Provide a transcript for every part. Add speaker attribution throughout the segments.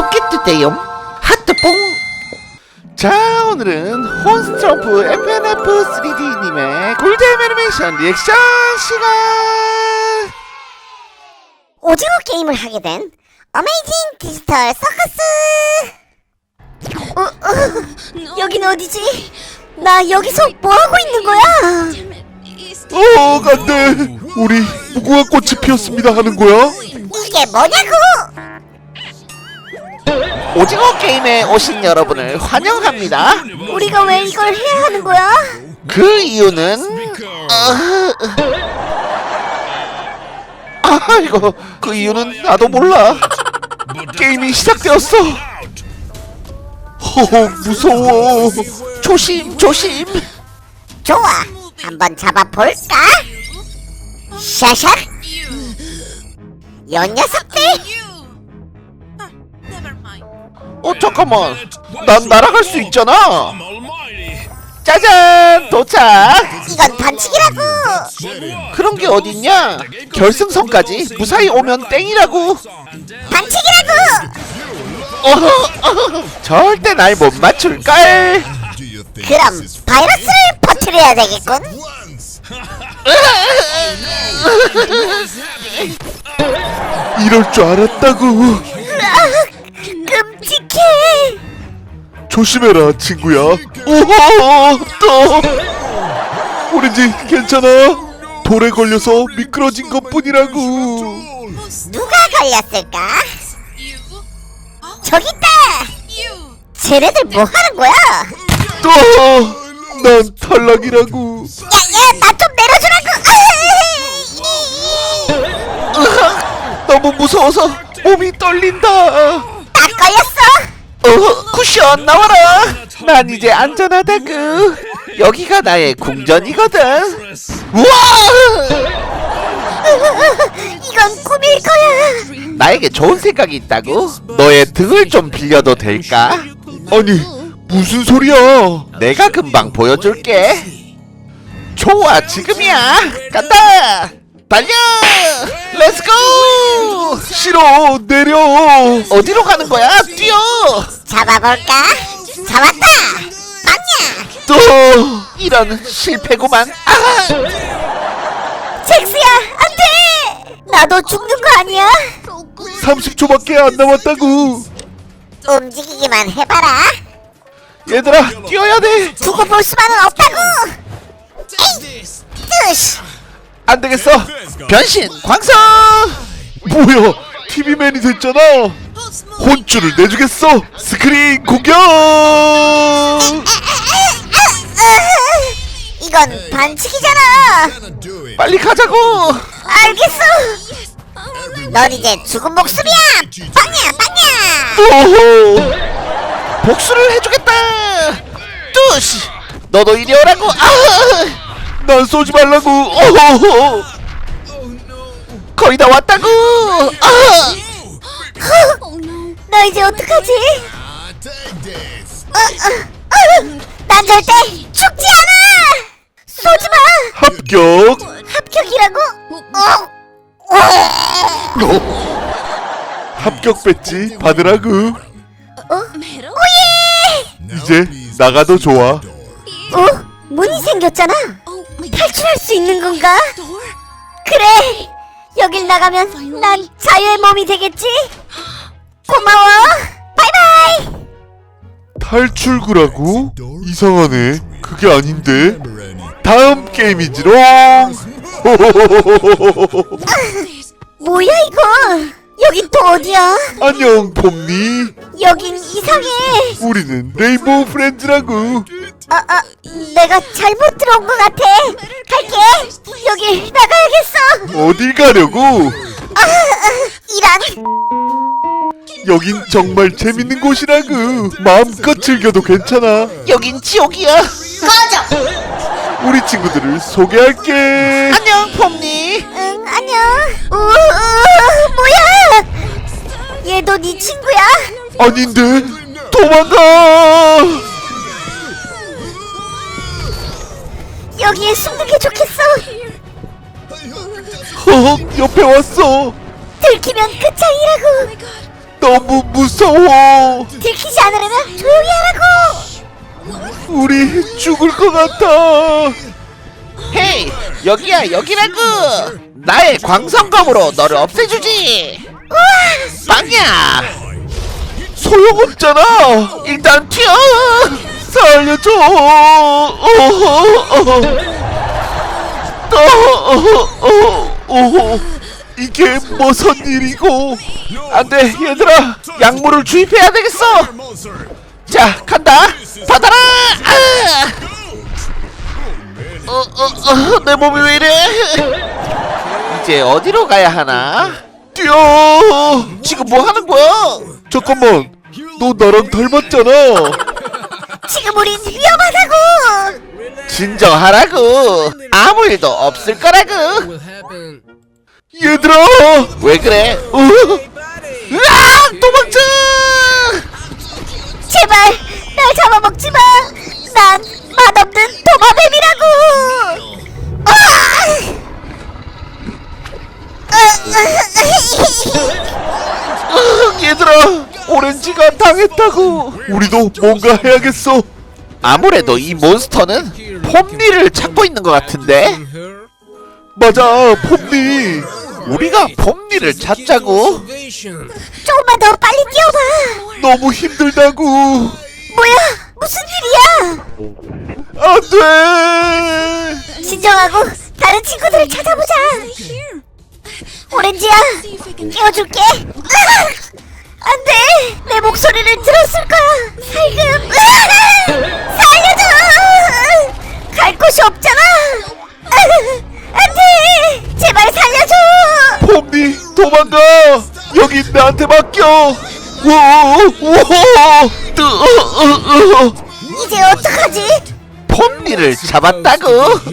Speaker 1: 좋겠는데요. 하트뽕. 자, 오늘은 혼스트럼프 FNF3D님의 꿀잼 애니메이션 리액션 시간.
Speaker 2: 오징어 게임을 하게 된 어메이징 디지털 서커스. 여긴 어디지? 나 여기서 뭐하고 있는 거야?
Speaker 3: 안돼, 우리 무궁화 꽃이 피었습니다 하는 거야?
Speaker 2: 이게 뭐냐고?
Speaker 1: 오징어 게임에 오신 여러분을 환영합니다.
Speaker 2: 우리가 왜 이걸 해야 하는 거야?
Speaker 1: 그 이유는 이거 그 이유는 나도 몰라. 게임이 시작되었어. 무서워. 조심 조심.
Speaker 2: 좋아, 한번 잡아볼까? 샤샥. 요 녀석들.
Speaker 1: 잠깐만, 난 날아갈 수 있잖아. 짜잔, 도착.
Speaker 2: 이건 반칙이라고.
Speaker 1: 그런 게 어딨냐? 결승선까지 무사히 오면 땡이라고.
Speaker 2: 반칙이라고.
Speaker 1: 절대 날 못 맞출걸.
Speaker 2: 그럼 바이러스를 퍼뜨려야 되겠군.
Speaker 3: 이럴 줄 알았다고.
Speaker 2: 끔찍해.
Speaker 3: 조심해라 친구야. 또 오렌지 괜찮아? 돌에 걸려서 미끄러진 것뿐이라고.
Speaker 2: 누가 걸렸을까? 저기 있다. 쟤네들 뭐 하는 거야?
Speaker 3: 난 탈락이라고.
Speaker 2: 야야, 나 좀 내려주라고.
Speaker 1: 너무 무서워서 몸이 떨린다.
Speaker 2: 딱 걸렸어.
Speaker 1: 쿠션 나와라. 난 이제 안전하다구. 여기가 나의 궁전이거든. 우와!
Speaker 2: 이건 꿈일 거야.
Speaker 1: 나에게 좋은 생각이 있다고. 너의 등을 좀 빌려도 될까?
Speaker 3: 아니 무슨 소리야?
Speaker 1: 내가 금방 보여줄게. 좋아, 지금이야. 간다. 달려. 렛츠고.
Speaker 3: 싫어, 내려.
Speaker 1: 어디로 가는 거야? 뛰어.
Speaker 2: 잡아볼까? 잡았다. 빵야.
Speaker 1: 또 이런 실패구만.
Speaker 2: 잭스야, 안돼. 나도 죽는 거 아니야?
Speaker 3: 30초밖에 안 남았다고.
Speaker 2: 움직이기만 해봐라.
Speaker 1: 얘들아, 뛰어야 돼.
Speaker 2: 두고 볼 수만은 없다고. 에이, 뜨시.
Speaker 1: 안 되겠어. 변신 광선.
Speaker 3: 뭐야, TV맨이 됐잖아. 혼쭐을 내주겠어. 스크린 공격.
Speaker 2: 이건 반칙이잖아.
Speaker 1: 빨리 가자고.
Speaker 2: 알겠어. 넌 이제 죽은 목숨이야. 빵야, 빵야.
Speaker 1: 오호. 복수를 해주겠다. 뚜시. 너도 이리 오라고.
Speaker 3: 난 쏘지 말라고. 오호호.
Speaker 1: 거의 다 왔다고.
Speaker 2: 나 이제 어떡하지? 난 절대 죽지 않아. 쏘지 마.
Speaker 3: 합격.
Speaker 2: 합격이라고?
Speaker 3: 합격 배지 받으라고.
Speaker 2: 오예.
Speaker 3: 이제 나가도 좋아.
Speaker 2: 문이 생겼잖아. 탈출할 수 있는 건가? 그래. 여길 나가면 난 자유의 몸이 되겠지. 고마워. 바이바이.
Speaker 3: 탈출구라고? 이상하네. 그게 아닌데. 다음 게임이지롱.
Speaker 2: 뭐야 이거? 여긴 또 어디야?
Speaker 3: 안녕 봄니.
Speaker 2: 여긴 이상해.
Speaker 3: 우리는 레인보우 프렌즈라고.
Speaker 2: 내가 잘못 들어온 것 같아. 갈게. 여길 나가야겠어.
Speaker 3: 어딜 가려고?
Speaker 2: 이런.
Speaker 3: 여긴 정말 재밌는 곳이라고. 마음껏 즐겨도 괜찮아.
Speaker 1: 여긴 지옥이야.
Speaker 2: 꺼져.
Speaker 3: 우리 친구들을 소개할게.
Speaker 1: 안녕, 폼니.
Speaker 2: 응, 안녕. 뭐야? 얘도 네 친구야?
Speaker 3: 아닌데. 도망가.
Speaker 2: 여기에 숨는 게 좋겠어.
Speaker 3: 옆에 왔어.
Speaker 2: 들키면 끝장이라고.
Speaker 3: 너무 무서워.
Speaker 2: 들키지 않으려면 조용히 하라고.
Speaker 3: 우리 죽을 것 같아.
Speaker 1: 헤이, 여기야, 여기라고. 나의 광선검으로 너를 없애주지. 빵야.
Speaker 3: 소용없잖아.
Speaker 1: 일단 튀어.
Speaker 3: 살려줘. 이게 무슨 일이고?
Speaker 1: 안돼, 얘들아. 약물을 주입해야 되겠어. 자, 간다. 받아라. 내 몸이 왜 이래? 이제 어디로 가야 하나?
Speaker 3: 뛰어.
Speaker 1: 지금 뭐 하는 거야?
Speaker 3: 잠깐만. 너 나랑 닮았잖아.
Speaker 2: 지금 우린 위험하다고.
Speaker 1: 진정하라고. 아무 일도 없을 거라고.
Speaker 3: 얘들아.
Speaker 1: 왜 그래? 으아! 도망쳐!
Speaker 2: 제발 날 잡아먹지 마. 난 맛없는 도마뱀이라고.
Speaker 1: 얘들아, 오렌지가 당했다고.
Speaker 3: 우리도 뭔가 해야겠어.
Speaker 1: 아무래도 이 몬스터는 폼니를 찾고 있는 것 같은데.
Speaker 3: 맞아, 폼니.
Speaker 1: 우리가 폼니를 찾자고.
Speaker 2: 조금만 더 빨리 뛰어봐.
Speaker 3: 너무 힘들다고.
Speaker 2: 뭐야? 무슨 일이야?
Speaker 3: 안 돼.
Speaker 2: 진정하고 다른 친구들을 찾아보자. 오렌지야, 끼워줄게. 안돼, 내 목소리를 들었을 거야. 살금, 살려줘. 갈 곳이 없잖아. 안돼, 제발 살려줘.
Speaker 3: 폼니, 도망가. 여기 나한테 맡겨. 우와.
Speaker 2: 이제 어떡하지?
Speaker 1: 폼니를 잡았다고.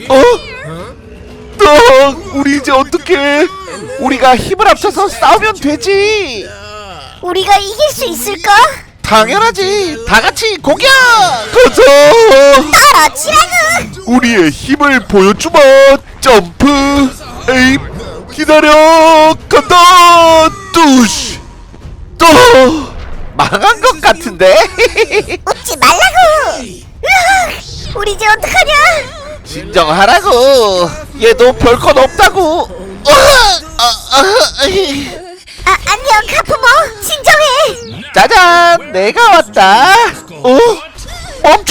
Speaker 3: 우리 이제 어떡해?
Speaker 1: 우리가 힘을 합쳐서 싸우면 되지.
Speaker 2: 우리가 이길 수 있을까?
Speaker 1: 당연하지. 다 같이 공격.
Speaker 3: 가자.
Speaker 2: 떨어지라고.
Speaker 3: 우리의 힘을 보여주마. 점프. 에임. 기다려. 간다. 뚜시. 또.
Speaker 1: 망한 것 같은데.
Speaker 2: 웃지 말라고. 으악, 우리 이제 어떡하냐?
Speaker 1: 진정하라고. 얘도 별것 없다고.
Speaker 2: 안녕 카푸모. 진정해.
Speaker 1: 짜잔, 내가 왔다. 멈춰.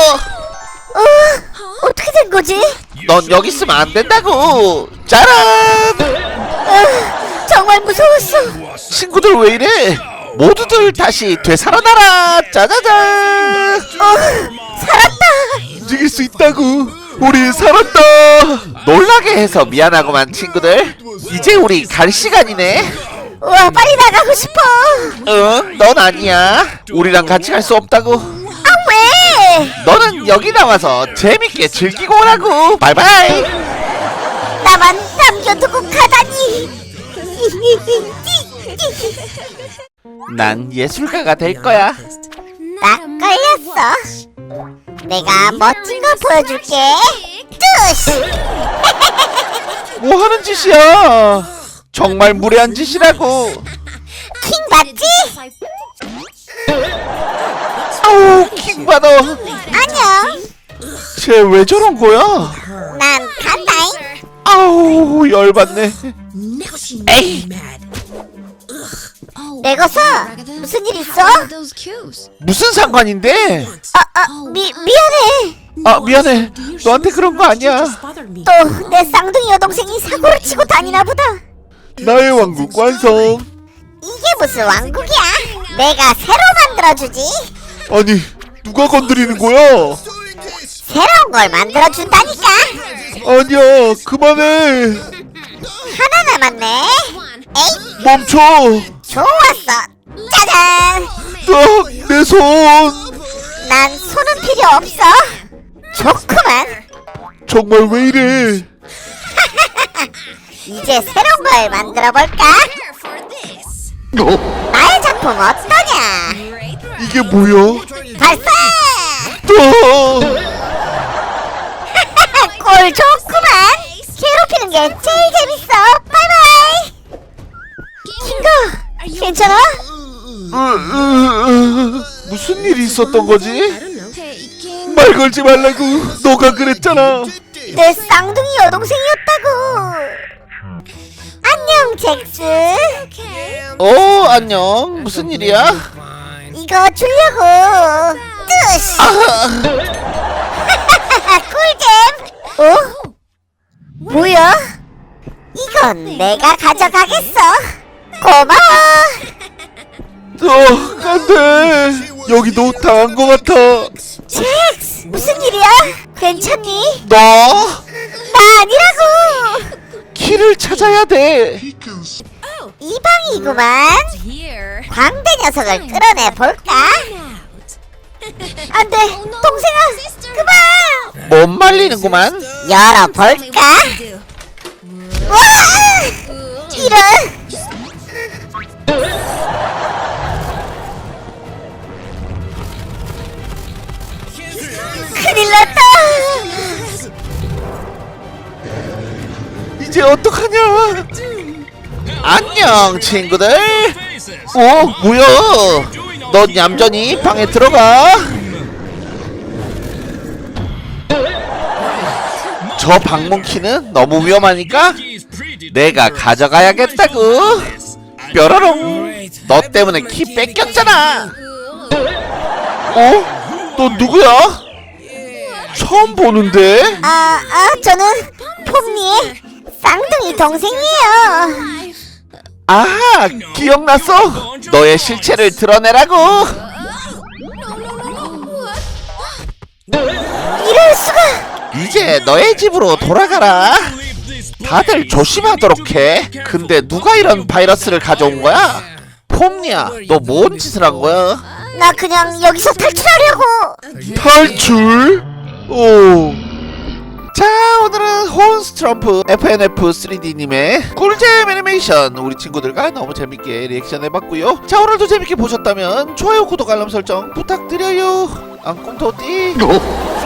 Speaker 2: 어떻게 된 거지?
Speaker 1: 넌 여기 있으면 안 된다고. 짜란.
Speaker 2: 정말 무서웠어.
Speaker 1: 친구들 왜 이래? 모두들 다시 되살아나라. 짜자잔.
Speaker 2: 살았다.
Speaker 3: 움직일 수 있다고. 우리 살았다.
Speaker 1: 놀라게 해서 미안하구만 친구들. 이제 우리 갈 시간이네.
Speaker 2: 우와, 빨리 나가고 싶어.
Speaker 1: 응, 넌 아니야. 우리랑 같이 갈 수 없다고.
Speaker 2: 아, 왜?
Speaker 1: 너는 여기 나와서 재밌게 즐기고 오라고. 바이바이.
Speaker 2: 나만 남겨두고 가다니.
Speaker 1: 난 예술가가 될 거야.
Speaker 2: 딱 걸렸어. 내가 멋진 걸 보여줄게. 뚜시.
Speaker 1: 뭐 하는 짓이야? 정말 무례한 짓이라고.
Speaker 2: 킹 맞지?
Speaker 1: 아우, 킹받아.
Speaker 2: 안녕.
Speaker 1: 쟤 왜 저런 거야?
Speaker 2: 난 간다잉.
Speaker 1: 아우, 열받네. 에이,
Speaker 2: 내거서 무슨 일 있어?
Speaker 1: 무슨 상관인데?
Speaker 2: 미안해.
Speaker 1: 아, 미안해. 너한테 그런 거 아니야.
Speaker 2: 또 내 쌍둥이 여동생이 사고를 치고 다니나 보다.
Speaker 3: 나의 왕국 완성.
Speaker 2: 이게 무슨 왕국이야? 내가 새로 만들어주지.
Speaker 3: 아니, 누가 건드리는 거야?
Speaker 2: 새로운 걸 만들어준다니까.
Speaker 3: 아니야, 그만해.
Speaker 2: 하나 남았네. 에이,
Speaker 3: 멈춰.
Speaker 2: 좋았어. 짜잔.
Speaker 3: 내 손.
Speaker 2: 난 손은 필요 없어. 좋구만.
Speaker 3: 정말 왜 이래?
Speaker 2: 이제 새로운 걸 만들어 볼까? 나의 작품 어떠냐?
Speaker 3: 이게 뭐야?
Speaker 2: 발사!
Speaker 3: 또.
Speaker 2: 꼴 좋구만. 괴롭히는 게 제일 재밌어. 바이바이. 킹거, 괜찮아?
Speaker 1: 무슨 일이 있었던 거지?
Speaker 3: 말 걸지 말라고 너가 그랬잖아.
Speaker 2: 내 쌍둥이 여동생이었다고. 안녕 잭스.
Speaker 1: 안녕. 무슨 일이야?
Speaker 2: 이거 주려고. 뜨시. 꿀잼. 뭐야? 이건 내가 가져가겠어. 고마워.
Speaker 3: 안돼. 여기도 당한 것 같아.
Speaker 2: 잭스, 무슨 일이야? 괜찮니?
Speaker 1: 너
Speaker 2: 나 아니라고.
Speaker 1: 키를 찾아야 돼.
Speaker 2: 이 방이구만. 광대 녀석을 끌어내 볼까? 안돼, 동생아, 그만.
Speaker 1: 못 말리는구만.
Speaker 2: 열어볼까? 와! 이런. 큰일 났다.
Speaker 3: 이제 어떡하냐?
Speaker 1: 안녕 친구들. 뭐야? 넌 얌전히 방에 들어가. 저 방문 키는 너무 위험하니까 내가 가져가야겠다고. 뾰로롱. 너 때문에 키 뺏겼잖아.
Speaker 3: 너 누구야? 처음 보는데?
Speaker 2: 저는 폼니의 쌍둥이 동생이에요.
Speaker 1: 아, 기억났어. 너의 실체를 드러내라고.
Speaker 2: 이럴 수가.
Speaker 1: 이제 너의 집으로 돌아가라. 다들 조심하도록 해. 근데 누가 이런 바이러스를 가져온 거야? 폼니야, 너 뭔 짓을 한 거야?
Speaker 2: 나 그냥 여기서 탈출하려고.
Speaker 3: 탈출?
Speaker 1: 자, 오늘은 혼스트럼프 FNF 3D님의 꿀잼 애니메이션 우리 친구들과 너무 재밌게 리액션 해봤고요. 자, 오늘도 재밌게 보셨다면 좋아요, 구독, 알람 설정 부탁드려요. 앙꿈토띠.